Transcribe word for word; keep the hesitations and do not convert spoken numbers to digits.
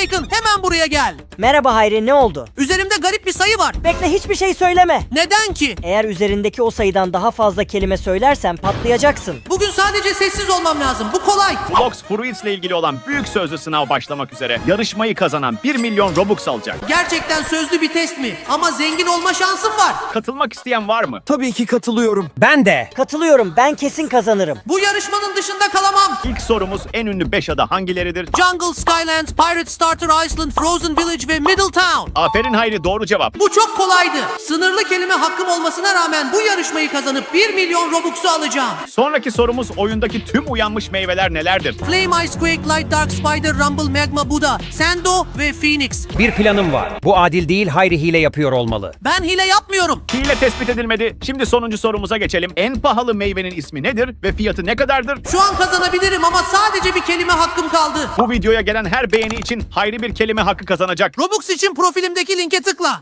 Bacon, hemen buraya gel. Merhaba Hayri, ne oldu? Üzerimde garip bir sayı var. Bekle, hiçbir şey söyleme. Neden ki? Eğer üzerindeki o sayıdan daha fazla kelime söylersen patlayacaksın. Bugün sadece sessiz olmam lazım. Bu kolay. Blox Fruits ile ilgili olan büyük sözlü sınav başlamak üzere. Yarışmayı kazanan bir milyon Robux alacak. Gerçekten sözlü bir test mi? Ama zengin olma şansım var. Katılmak isteyen var mı? Tabii ki katılıyorum. Ben de. Katılıyorum, ben kesin kazanırım. Bu yarışmanın dışında kalamam. İlk sorumuz en ünlü beş ada hangileridir? Jungle, Skylands, Pirate Starter Island, Frozen Village ve Middletown. Aferin Hayri, doğru cevap. Bu çok kolaydı. Sınırlı kelime hakkım olmasına rağmen bu yarışmayı kazanıp bir milyon Robux'u alacağım. Sonraki sorumuz oyundaki tüm uyanmış meyveler nelerdir? Flame, Ice, Quake, Light, Dark, Spider, Rumble, Magma, Buddha, Sando ve Phoenix. Bir planım var. Bu adil değil, Hayri hile yapıyor olmalı. Ben hile yapmıyorum. Hile tespit edilmedi. Şimdi sonuncu sorumuza geçelim. En pahalı meyvenin ismi nedir ve fiyatı ne kadardır? Şu an kazanabilirim ama sadece bir kelime hakkım kaldı. Bu videoya gelen her beğeni için Hayri bir kelime hakkı kazanacak. Robux için profilimdeki linke tıkla.